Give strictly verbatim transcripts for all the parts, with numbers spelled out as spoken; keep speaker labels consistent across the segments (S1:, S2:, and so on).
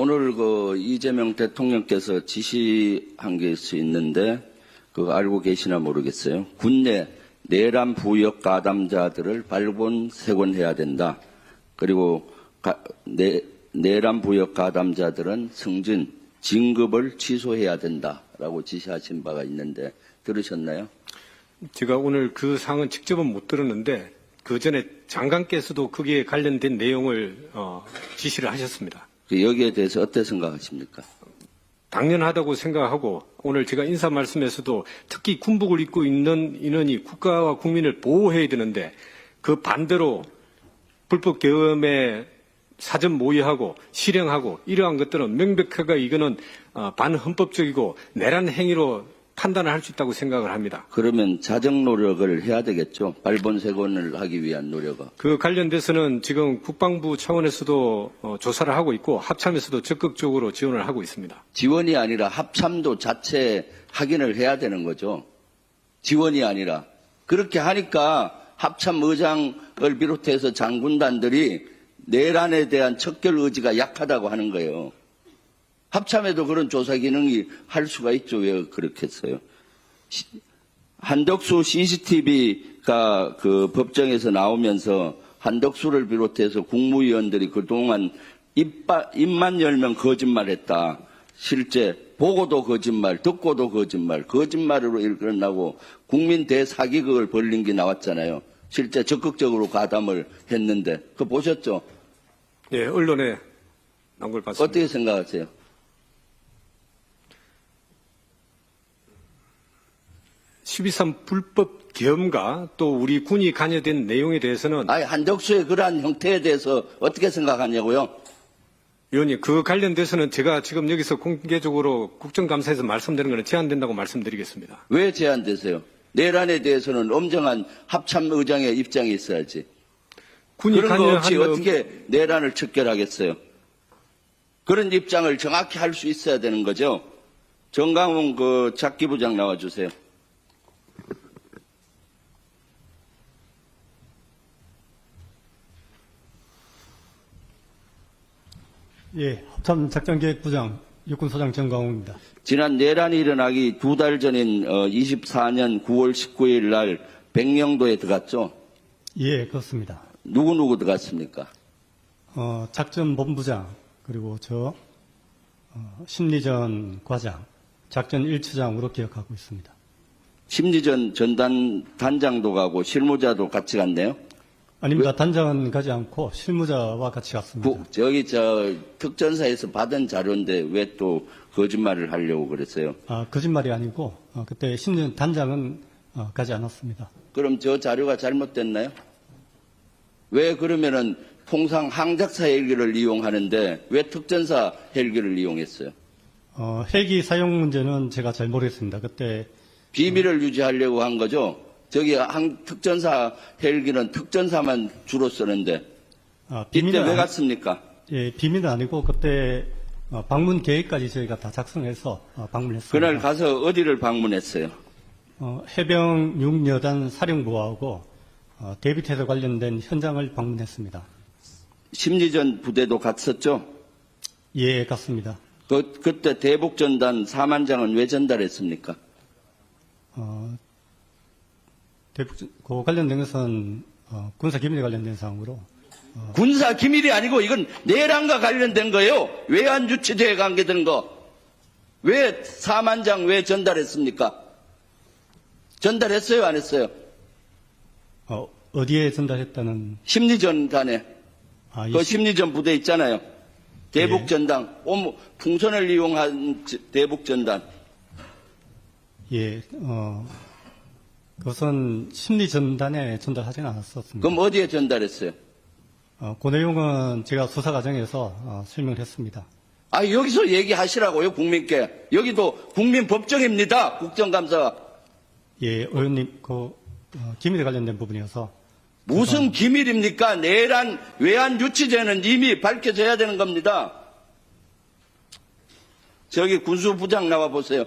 S1: 오늘 그 이재명 대통령께서 지시한 게 있는데 그거 알고 계시나 모르겠어요. 군내 내란 부역 가담자들을 발본색원해야 된다. 그리고 가, 내, 내란 부역 가담자들은 승진, 진급을 취소해야 된다라고 지시하신 바가 있는데 들으셨나요?
S2: 제가 오늘 그 사항은 직접은 못 들었는데 그 전에 장관께서도 거기에 관련된 내용을 어, 지시를 하셨습니다.
S1: 여기에 대해서 어떻게 생각하십니까?
S2: 당연하다고 생각하고 오늘 제가 인사 말씀에서도 특히 군복을 입고 있는 인원이 국가와 국민을 보호해야 되는데 그 반대로 불법 계엄에 사전 모의하고 실행하고 이러한 것들은 명백하게 이거는 반헌법적이고 내란 행위로 판단을 할 수 있다고 생각을 합니다.
S1: 그러면 자정 노력을 해야 되겠죠. 발본색원을 하기 위한 노력은.
S2: 그 관련돼서는 지금 국방부 차원에서도 어, 조사를 하고 있고 합참에서도 적극적으로 지원을 하고 있습니다.
S1: 지원이 아니라 합참도 자체 확인을 해야 되는 거죠. 지원이 아니라. 그렇게 하니까 합참 의장을 비롯해서 장군단들이 내란에 대한 척결 의지가 약하다고 하는 거예요. 합참에도 그런 조사 기능이 할 수가 있죠. 왜 그렇게 했어요? 한덕수 씨씨티비가 그 법정에서 나오면서 한덕수를 비롯해서 국무위원들이 그동안 입바, 입만 열면 거짓말했다. 실제 보고도 거짓말, 듣고도 거짓말, 거짓말으로 일어나고 국민 대사기극을 벌린 게 나왔잖아요. 실제 적극적으로 가담을 했는데 그거 보셨죠?
S2: 예, 언론에 나온 걸 봤습니다.
S1: 어떻게 생각하세요?
S2: 십이삼 불법 계엄과 또 우리 군이 관여된 내용에 대해서는
S1: 아니, 한덕수의 그러한 형태에 대해서 어떻게 생각하냐고요?
S2: 의원님, 그 관련돼서는 제가 지금 여기서 공개적으로 국정감사에서 말씀드리는 것은 제한된다고 말씀드리겠습니다.
S1: 왜 제한되세요? 내란에 대해서는 엄정한 합참 의장의 입장이 있어야지.
S2: 군이
S1: 그런 거 없이
S2: 관여한
S1: 어떻게 내란을 척결하겠어요? 그런 입장을 정확히 할 수 있어야 되는 거죠. 정강훈 그 작기부장 나와주세요.
S3: 예, 합참작전기획부장 육군소장 정광훈입니다.
S1: 지난 내란이 일어나기 두 달 전인 이십사 년 구월 십구일 날 백령도에 들어갔죠?
S3: 예, 그렇습니다.
S1: 누구누구 들어갔습니까?
S3: 어, 작전본부장, 그리고 저 어, 심리전 과장, 작전 일 추장으로 기억하고 있습니다.
S1: 심리전 전단 단장도 가고 실무자도 같이 갔네요?
S3: 아닙니다. 단장은 가지 않고 실무자와 같이 갔습니다.
S1: 부, 저기 저 특전사에서 받은 자료인데 왜 또 거짓말을 하려고 그랬어요?
S3: 아, 거짓말이 아니고 어, 그때 심리전 단장은 어, 가지 않았습니다.
S1: 그럼 저 자료가 잘못됐나요? 왜 그러면은 통상 항작사 헬기를 이용하는데 왜 특전사 헬기를 이용했어요?
S3: 어, 헬기 사용 문제는 제가 잘 모르겠습니다. 그때
S1: 비밀을 유지하려고 한 거죠? 저기 항, 특전사 헬기는 특전사만 주로 쓰는데
S3: 아,
S1: 이때
S3: 비밀은
S1: 왜
S3: 아니-
S1: 갔습니까?
S3: 예, 비밀은 아니고 그때 어, 방문 계획까지 저희가 다 작성해서 어, 방문했습니다.
S1: 그날 가서 어디를 방문했어요?
S3: 어, 해병 육 여단 사령부하고 어, 대비태세 관련된 현장을 방문했습니다.
S1: 심리전 부대도 갔었죠?
S3: 예, 갔습니다.
S1: 그, 그때 대북전단 사만장은 왜 전달했습니까?
S3: 어, 대북, 그 관련된 것은 어, 군사기밀에 관련된 사항으로
S1: 군사 기밀이 아니고 이건 내란과 관련된 거예요. 외환 유치제에 관계된 거. 왜 사만장 왜 전달했습니까? 전달했어요, 안 했어요?
S3: 어, 어디에 전달했다는
S1: 심리전단에.
S3: 아, 이
S1: 그
S3: 시-
S1: 심리전 부대 있잖아요. 대북전단. 옴- 풍선을 이용한 지- 대북전단.
S3: 예, 어, 그것은 심리전단에 전달하지는 않았었습니다.
S1: 그럼 어디에 전달했어요?
S3: 어, 그 내용은 제가 수사 과정에서 어, 설명을 했습니다.
S1: 아, 여기서 얘기하시라고요, 국민께. 여기도 국민법정입니다, 국정감사가.
S3: 예, 의원님, 그 어, 기밀에 관련된 부분이어서
S1: 무슨 기밀입니까? 내란 외환 유치제는 이미 밝혀져야 되는 겁니다. 저기 군수부장 나와 보세요.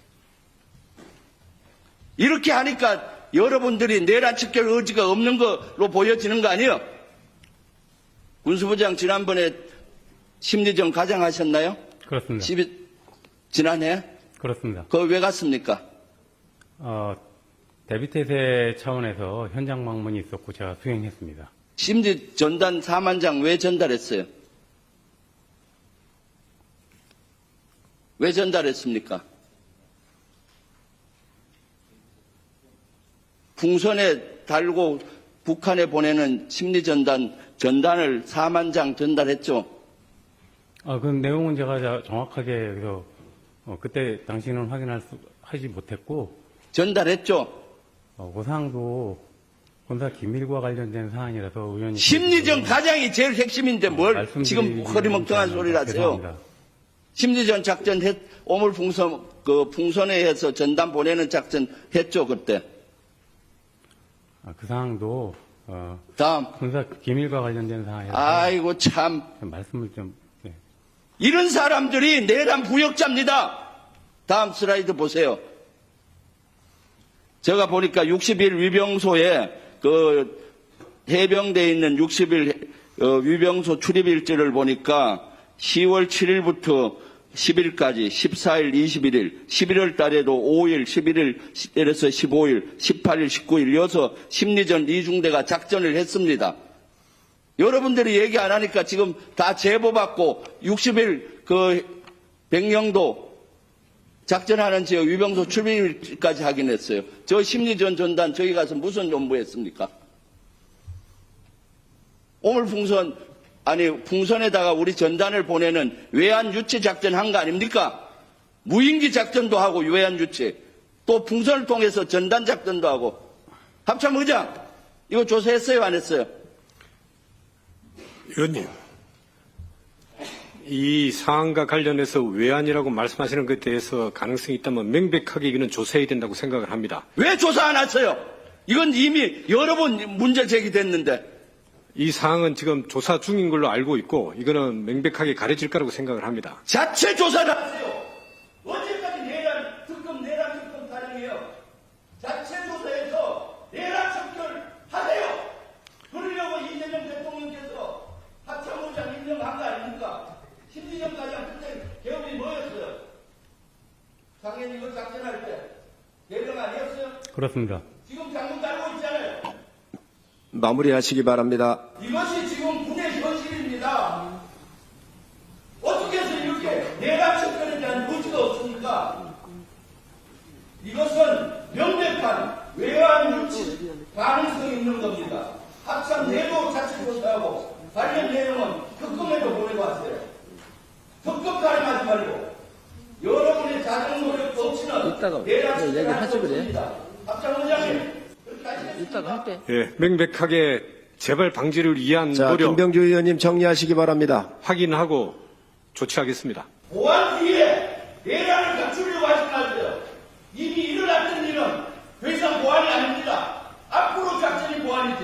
S1: 이렇게 하니까 여러분들이 내란 척결 의지가 없는 걸로 보여지는 거 아니에요? 군수부장 지난번에 심리전 가장하셨나요?
S3: 그렇습니다.
S1: 십이 지난해?
S3: 그렇습니다.
S1: 그거 왜 갔습니까?
S3: 어, 대비태세 차원에서 현장 방문이 있었고 제가 수행했습니다.
S1: 심지 전단 사만 장 왜 전달했어요? 왜 전달했습니까? 풍선에 달고 북한에 보내는 심리전단 전단을 사만 장 전달했죠.
S3: 아, 그 내용은 제가 자- 정확하게 그래서 어, 그때 당시는 확인할 수 하지 못했고
S1: 전달했죠.
S3: 어, 그 사항도 군사 기밀과 관련된 사안이라서 의원님
S1: 심리전 가장이 제일 핵심인데 뭘 지금 허리멍텅한 소리를 하세요.
S3: 죄송합니다.
S1: 심리전 작전 했, 오물 풍선, 그 풍선에 해서 전단 보내는 작전 했죠, 그때.
S3: 아, 그 사항도 어,
S1: 다음.
S3: 군사 기밀과 관련된 사안이라서
S1: 아이고, 참.
S3: 말씀을 좀 네.
S1: 이런 사람들이 내란 부역자입니다. 다음 슬라이드 보세요. 제가 보니까 육십 일 위병소에 그 해병대에 있는 육십 일 어, 위병소 출입일지를 보니까 시월 칠일부터 십일까지 십사일, 이십일일, 십일월 달에도 오일, 십일일에서 십오일, 십팔일, 십구일 이어서 심리전 이중대가 작전을 했습니다. 여러분들이 얘기 안 하니까 지금 다 제보받고 육십 일 그 백령도 작전하는 지역 위병소 출입일까지 확인했어요. 저 심리전 전단 저기 가서 무슨 연부했습니까? 오물 풍선 아니 풍선에다가 우리 전단을 보내는 외환 유치 작전 한 거 아닙니까? 무인기 작전도 하고 외환 유치 또 풍선을 통해서 전단 작전도 하고 합참 의장 이거 조사했어요 안 했어요?
S2: 의원님, 이 사안과 관련해서 외환이라고 말씀하시는 것에 대해서 가능성이 있다면 명백하게 이거는 조사해야 된다고 생각을 합니다.
S1: 왜 조사 안 했어요? 이건 이미 여러 번 문제 제기됐는데
S2: 이 사항은 지금 조사 중인 걸로 알고 있고 이거는 명백하게 가려질 거라고 생각을 합니다.
S1: 자체 조사를 하세요. 언제까지 내란 특검 내란 특검 타령이에요. 자체 조사해서 내란 척결 하세요. 그러려고 이재명 대통령께서 합참의장 임명한 거 아닙니까? 심리전 과장 그때 개업이 뭐였어요? 당연히 이거 작전할 때 대령 아니었어요?
S3: 그렇습니다.
S1: 지금 장군 달고 있잖아요.
S4: 마무리하시기 바랍니다.
S1: 이것이 지금 군의 현실입니다. 어떻게 해서 이렇게 내란 척결에 대한 의지가 없습니까? 이것은 명백한 외환 유치 가능성이 있는 겁니다. 합참 내도 자체 조사하고 관련 내용은 특검에도 보내고 하세요. 특검 가름하지 말고 여러분의 자정 노력도 없이는
S5: 이따가
S1: 내란
S5: 그 얘기를
S1: 척결할
S5: 하지
S1: 수
S5: 그래.
S1: 없습니다. 합참 의장님 그렇게 하시겠습니까?
S5: 이따가 할게.
S2: 예, 명백하게 재발 방지를 위한
S4: 자,
S2: 노력
S4: 김병주 의원님 정리하시기 바랍니다.
S2: 확인하고 조치하겠습니다.
S1: 보안 뒤에 내란을 갖추려고 하지 마세요. 이미 일어났던 일은 더 이상 보안이 아닙니다. 앞으로 작전이 보안이지.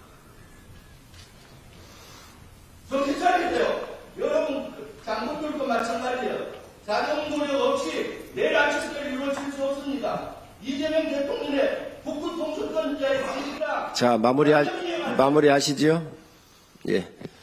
S1: 정신 차리세요. 여러분 장군들도 마찬가지예요. 자정 노력 없이 내란 척결이 이루어질 수 없습니다. 이재명 대통령의 북부 통수권자의 방식이라
S4: 자, 마무리하, 마무리하시지요? 예.